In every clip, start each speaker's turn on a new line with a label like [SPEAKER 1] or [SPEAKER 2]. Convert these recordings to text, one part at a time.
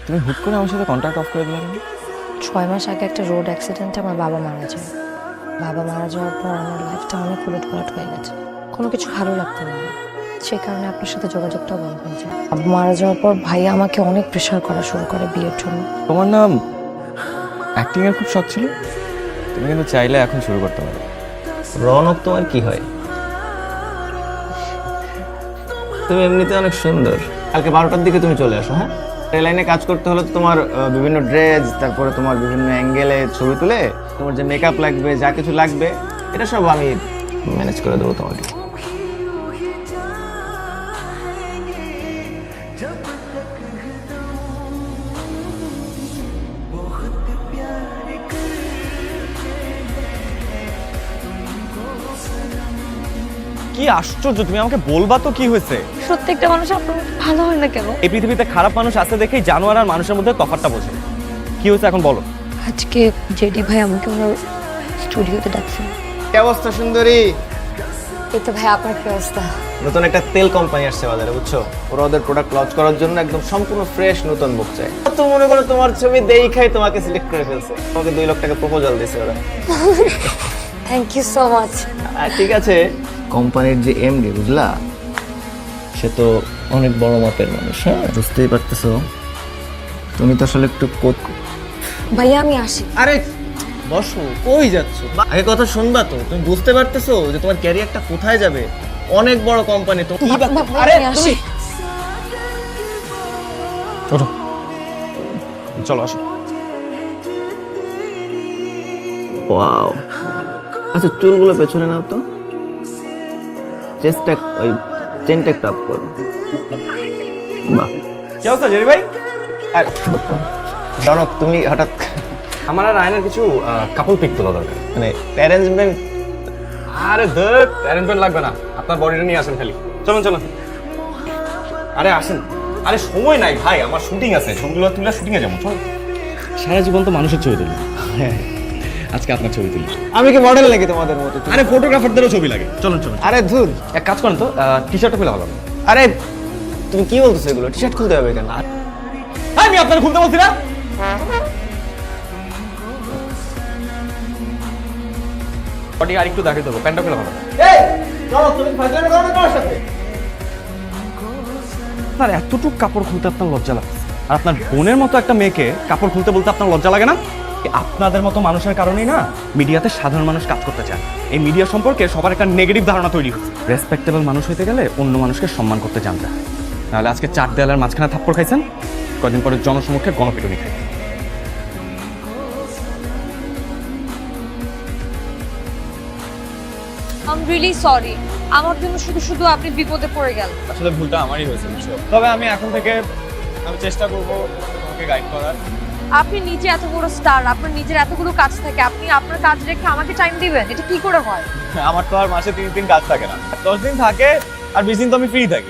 [SPEAKER 1] তুমি হুট করে আমার সাথে কন্ট্যাক্ট অফ করে দিলে কেন?
[SPEAKER 2] 6 মাস আগে একটা রোড অ্যাক্সিডেন্টে আমার বাবা মারা যায়। বাবা মারা যাওয়ার পর আমার লাইফটা অনেক উলটপালট হয়ে গেছে। কোনো কিছু ভালো লাগতো না। সেই কারণে আপনার সাথে যোগাযোগটাও বন্ধ হয়ে যায়। বাবা মারা যাওয়ার পর ভাইয়া আমাকে অনেক প্রেশার করা শুরু করে বিয়ের জন্য।
[SPEAKER 1] তোমার নাম অ্যাক্টিং এর খুব শখ ছিল, তুমি কিন্তু চাইলে এখন শুরু করতে পারো।
[SPEAKER 3] রৌনক তোমার কি হয়? তুমি এমনিতে অনেক সুন্দর। কালকে 12টার দিকে তুমি চলে আসো। হ্যাঁ, এই লাইনে কাজ করতে হলে তো তোমার বিভিন্ন ড্রেস, তারপরে তোমার বিভিন্ন অ্যাঙ্গেলে ছবি তুলে তোমার যে মেকআপ লাগবে, যা কিছু লাগবে, এটা সব আমি ম্যানেজ করে দেবো তোমাকে।
[SPEAKER 1] কি আশ্চর্য, তুমি আমাকে বলবা তো কি হয়েছে?
[SPEAKER 2] প্রত্যেকটা মানুষ আপনার ভালো হয় না কেন?
[SPEAKER 1] এই পৃথিবীতে খারাপ মানুষ আছে দেখেই জানোয়ার আর মানুষের মধ্যে তফাৎটা বোঝে। কি হয়েছে এখন বলো।
[SPEAKER 2] আজকে জেডি ভাই আমাকে ওনার স্টুডিওতে ডাকছেন।
[SPEAKER 3] কি অবস্থা সুন্দরী?
[SPEAKER 2] এই তো ভাই, আপনার কি অবস্থা?
[SPEAKER 3] নতুন একটা তেল কোম্পানি আসছে বাজারে, বুঝছো? ওরা ওদের প্রোডাক্ট লঞ্চ করার জন্য একদম সম্পূর্ণ ফ্রেশ নতুন বুক চাই। তো মনে করো তোমার ছবি দেখাই তোমাকে সিলেক্ট করে ফেলছে, তোমাকে 2 লাখ টাকা প্রপোজাল দিয়েছে ওরা।
[SPEAKER 2] Thank you so much.
[SPEAKER 3] ঠিক আছে, কোম্পানির যে এমডি, বুঝলা, সে তো অনেক বড় মাপের মানুষ। হ্যাঁ, বুঝতেই পারতেছো। তুমি তো আসলে একটু
[SPEAKER 2] ভাইয়া আমি আসি।
[SPEAKER 3] আরে বসো, কই যাচ্ছ? আগে কথা শুনবা তো। তুমি বুঝতে পারতেছো যে তোমার ক্যারিয়ারটা কোথায় যাবে? অনেক বড় কোম্পানি তো।
[SPEAKER 2] আরে আসি।
[SPEAKER 1] ওঠো, চলো আসো।
[SPEAKER 3] ওয়াও, আচ্ছা চুলগুলো পেছনে নাও তো, চেষ্টা ওই চেনটা একটু আপ করো। বাহ,
[SPEAKER 1] কি অবস্থা জেরি ভাই?
[SPEAKER 3] আর জনক, তুমি হঠাৎ
[SPEAKER 1] আমার আর আয়নার কিছু কাপল পিক তোলা দরকার।
[SPEAKER 3] মানে অ্যারেঞ্জমেন্ট?
[SPEAKER 1] আরে ধর, অ্যারেঞ্জমেন্ট লাগবে না, আপনার বডিটা নিয়ে আসেন খালি। চলুন চলুন। আরে আসেন। আরে সময় নাই ভাই, আমার শুটিং আছে, ছবিগুলো তুলে শুটিংয়ে যাবো। চল। সারা জীবন তো মানুষের ছবি তুলি, আজকে আপনার ছবি তুলি।
[SPEAKER 3] আমি কি মডেল নাকি তোমাদের মতো?
[SPEAKER 1] আরে ফটোগ্রাফারদেরও ছবি লাগে। চলুন চলুন।
[SPEAKER 3] আরে ধুর,
[SPEAKER 1] এক কাজ করেন তো, টি শার্টটা খুলে ভালো হবে।
[SPEAKER 3] আরে তুমি কি বলতেছো এগুলো? টি শার্ট খুলতে হবে কেন?
[SPEAKER 1] আমি আপনার খুলতে বলছি না। বডি আর একটু দাঁড়িয়ে দেবো, প্যান্টটা খুলে ভালো হবে।
[SPEAKER 3] এই জনক, তুমি ফাজলামি করো না তোমার সাথে?
[SPEAKER 1] আপনার এতটুকু কাপড় খুলতে আপনার লজ্জা লাগে, আর আপনার বোনের মতো একটা মেয়েকে কাপড় খুলতে বলতে আপনার লজ্জা লাগে না? আপনাদের মতো মানুষের কারণেই না মিডিয়াতে সাধারণ মানুষ কাজ করতে চায়। এই মিডিয়া সম্পর্কে সবার একটা নেগেটিভ ধারণা তৈরি হচ্ছে। রেসপেক্টেবল মানুষ হইতে গেলে অন্য মানুষকে সম্মান করতে জানতে হয়, নাহলে আজকে 4 দেয়ালের মাঝখানে থাপ্পড় খাইছেন, কদিন পরে জনসমক্ষে গণপিটুনি খাই।
[SPEAKER 4] I am really sorry. আমার জন্য শুধু শুধু আপনি বিপদে পড়ে গেলেন।
[SPEAKER 1] আসলে ভুলটা আমারই হয়েছে, বুঝছো? তবে আমি এখন থেকে চেষ্টা করবো তোমাকে গাইড করার।
[SPEAKER 4] আপনি নিজে এত বড় স্টার, আপনার নিজের এতগুলো কাজ থাকে, আপনি আপনার কাজ রেখে আমাকে টাইম দিবেন? এটা কি করে হয়?
[SPEAKER 1] আমার তো আর মাসে 30 দিন কাজ থাকে না, 10 দিন থাকে, আর 20 দিন তো আমি ফ্রি থাকি।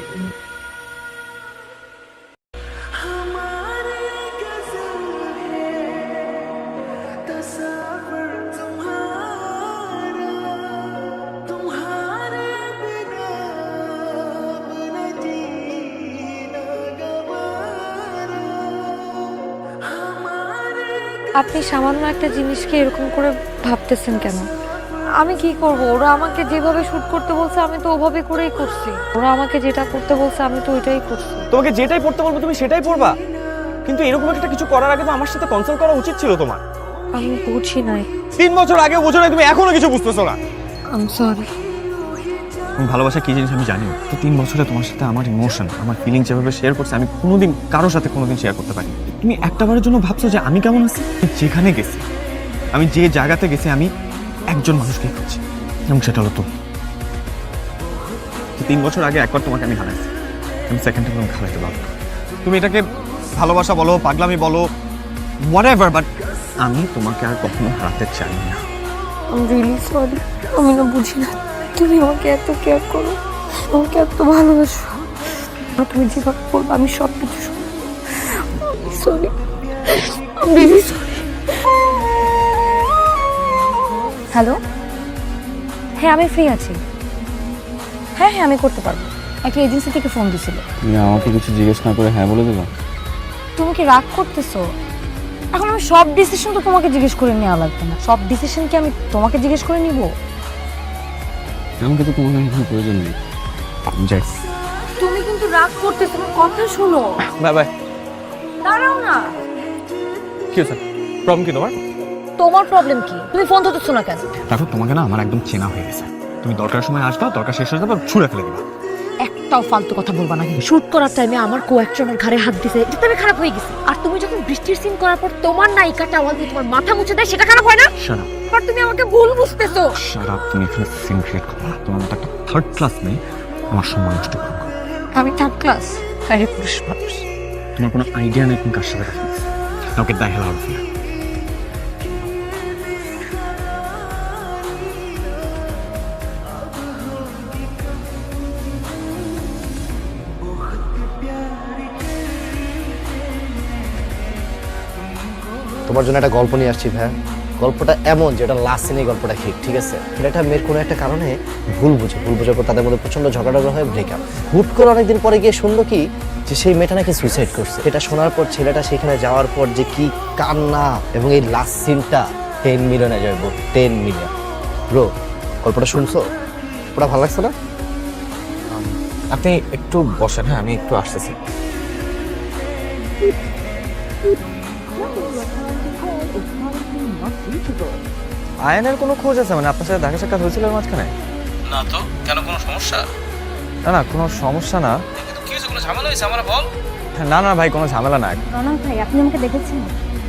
[SPEAKER 2] আপনি সামান্য একটা জিনিসকে এরকম করে ভাবতেছেন কেন? আমি কি করব? ওরা আমাকে যেভাবে শুট করতে বলছে আমি তো ওভাবে করেই করছি। ওরা আমাকে যেটা করতে বলছে আমি তো ওইটাই করছি।
[SPEAKER 1] তোমাকে যেটাই পড়তে বলবো তুমি সেটাই পড়বা, কিন্তু এরকম একটা কিছু করার আগে তো আমার সাথে কনসাল্ট করা উচিত ছিল তোমার।
[SPEAKER 2] আমি বুঝি নাই।
[SPEAKER 1] 3 বছর আগে বুঝো না, তুমি এখনো কিছু বুঝতেছো না।
[SPEAKER 2] I am sorry.
[SPEAKER 1] তুমি ভালোবাসা কি জিনিস আমি জানি। তো 3 বছরে তোমার সাথে আমার ইমোশন, আমার ফিলিং যেভাবে শেয়ার করছে আমি কোনোদিন কারোর সাথে কোনোদিন শেয়ার করতে পারিনি। তুমি একটাবারের জন্য ভাবছো যে আমি কেমন আছি? যেখানে গেছি, আমি যে জায়গাতে গেছি, আমি একজন মানুষকে খুঁজছি, এবং সেটা হলো তুমি। 3 বছর আগে একবার তোমাকে আমি হারাইছি, আমি সেকেন্ড টাইম তোমাকে হারাইতে পারবো না। তুমি এটাকে ভালোবাসা বলো, পাগলামি বলো, হোয়াটএভার, বাট আমি তোমাকে আর কখনো হারাতে চাই না।
[SPEAKER 2] I am really sorry. আমি না বুঝি না তুমি আমাকে এত কেয়ার করো, আমাকে এত ভালোবাসো। তুমি যেভাবে বলবো আমি সব কিছু শুনবো। Sorry, I am really sorry. Hello, হ্যাঁ আমি ফ্রি আছি। হ্যাঁ হ্যাঁ আমি করতে পারবো। একটা এজেন্সি থেকে ফোন দিছিল।
[SPEAKER 5] তুমি আমাকে কিছু জিজ্ঞেস না করে হ্যাঁ বলে দিবা?
[SPEAKER 2] তুমি কি রাগ করতেছো? এখন আমি সব ডিসিশন তো তোমাকে জিজ্ঞেস করে নেওয়া লাগবে না। সব ডিসিশন কি আমি তোমাকে জিজ্ঞেস করে নিব?
[SPEAKER 1] আমাকে তো তোমার কোনো প্রয়োজন নেই। যাই।
[SPEAKER 2] তুমি কিন্তু রাগ করতেছো, আমার কথা শোনো।
[SPEAKER 1] Bye bye.
[SPEAKER 2] দাঁড়াও না।
[SPEAKER 1] কি হয়েছে? প্রবলেম কি তোমার?
[SPEAKER 2] তোমার প্রবলেম কি? তুমি ফোন ধরতেছো না কেন?
[SPEAKER 1] দেখো তোমাকে না আমার একদম চেনা হয়ে গেছে। তুমি দরকারের সময় আসবা, দরকার শেষ হয়ে যাবে ছুঁড়ে ফেলে দিবা।
[SPEAKER 2] একটাও ফালতু কথা বলবা না। শুট করার টাইমে আমার কো-অ্যাক্টরের ঘাড়ে হাত দিছে, এটাতে আমি খারাপ হয়ে গেছি। আর তুমি যখন বৃষ্টির সিন করার পর তোমার নায়িকা টাওয়াল দিয়ে তোমার মাথা মুছে দেয়, সেটা খারাপ হয় না?
[SPEAKER 1] Shut up.
[SPEAKER 2] আর তুমি আমাকে ভুল বুঝতেছো।
[SPEAKER 1] Shut up. তুমি এখানে সিন ক্রিয়েট করো না। তোমার মতো একটা থার্ড ক্লাস নেই আমার সম্মান নষ্ট করো।
[SPEAKER 2] আমি থার্ড ক্লাস? আরে পুরুষ মানুষ।
[SPEAKER 1] তোমার কোনো আইডিয়া নেই তুমি কার সাথে কথা বলছো। Now get the hell out of here.
[SPEAKER 5] তোমার জন্য একটা গল্প নিয়ে আসছি ভাই। গল্পটা এমন যেটা লাস্ট সিনে গল্পটা হিট, ঠিক আছে? ছেলেটা মেয়ের কোনো একটা কারণে ভুল বোঝার পর তাদের মধ্যে প্রচন্ড ঝগড়া হয়ে ব্রেকআপ। হুট করে অনেকদিন পরে গিয়ে শুনলো কি যে সেই মেয়েটা নাকি সুইসাইড করছে। এটা শোনার পর ছেলেটা সেখানে যাওয়ার পর যে কি কান্না, এবং এই লাস্ট সিনটা 10 মিলিয়নে যাবো। 10 মিলিয়ন। ব্রো, গল্পটা শুনছো? ওটা ভালো লাগছে না?
[SPEAKER 3] আপনি একটু বসেন, হ্যাঁ আমি একটু আসতেছি। আয়নের কোনো খোঁজ আছে? মানে আপনার সাথে দেখা সাক্ষাৎ হয়েছিল এর মাঝখানে?
[SPEAKER 1] না তো, কেন কোনো সমস্যা?
[SPEAKER 3] না না, কোনো সমস্যা না।
[SPEAKER 1] কি হয়েছে? কোনো ঝামেলা হয়েছে? আমার বল।
[SPEAKER 3] না না ভাই, কোনো ঝামেলা না।
[SPEAKER 2] রনক ভাই, আপনি আমাকে দেখেছেন?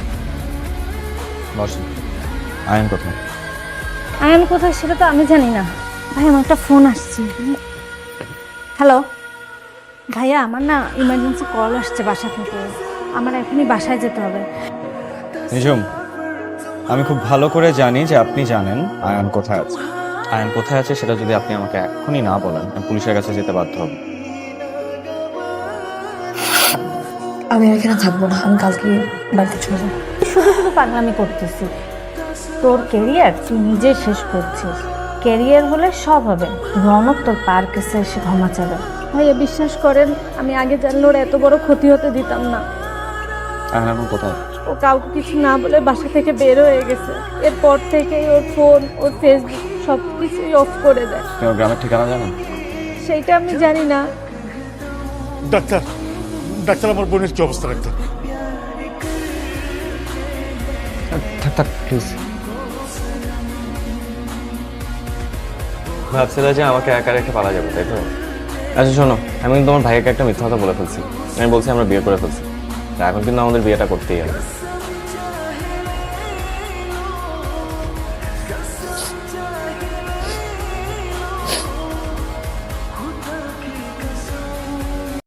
[SPEAKER 3] বসেন। আয়ন কোথায়?
[SPEAKER 2] আয়ান কোথায় সেটা তো আমি জানি না। ভাই, আমার একটা ফোন আসছে। হ্যালো ভাইয়া, আমার না ইমার্জেন্সি কল আসছে বাসা থেকে। আমার এখনই বাসায় যেতে হবে।
[SPEAKER 3] নিজুম, আমি খুব ভালো করে জানি যে আপনি জানেন আয়ন কোথায় আছে। আয়ন কোথায় আছে সেটা যদি আপনি আমাকে এখনই না বলেন, আমি পুলিশের কাছে যেতে বাধ্য হব।
[SPEAKER 2] আমি আর এখানে থাকবো না, আমি কালকে বাড়িতে চলে যাবো। শুধু শুধু পাগলামি করতেছি। তোর ক্যারিয়ার তুই নিজে শেষ করছিস। ক্যারিয়ার হলে সব হবে। রনক তোর পার কেসে এসে ক্ষমা চাবে। ভাইয়া বিশ্বাস করেন, আমি আগে জানলে ওর এত বড় ক্ষতি হতে দিতাম না।
[SPEAKER 3] আয়ন এখন কোথায়?
[SPEAKER 2] ও কাউকে কিছু না বলে বাসা থেকে বের হয়ে গেছে। এরপর থেকেই ওর ফোন, ওর ফেসবুক সব কিছুই অফ করে দেয়।
[SPEAKER 3] আপনি ওর গ্রামের ঠিকানা জানেন?
[SPEAKER 2] সেইটা আমি জানি না।
[SPEAKER 6] ডাক্তার, ডাক্তার আমার বোনের কি অবস্থা ডাক্তার?
[SPEAKER 3] থাক থাক প্লিজ। ভাবছিলা যে আমাকে একা রেখে পালা যাবে, তাই তো? আচ্ছা শোনো, আমি কিন্তু তোমার ভাইকে একটা মিথ্যা কথা বলে ফেলছি। আমি বলছি আমরা বিয়ে করে ফেলছি। এখন কিন্তু আমাদের বিয়েটা করতেই হবে।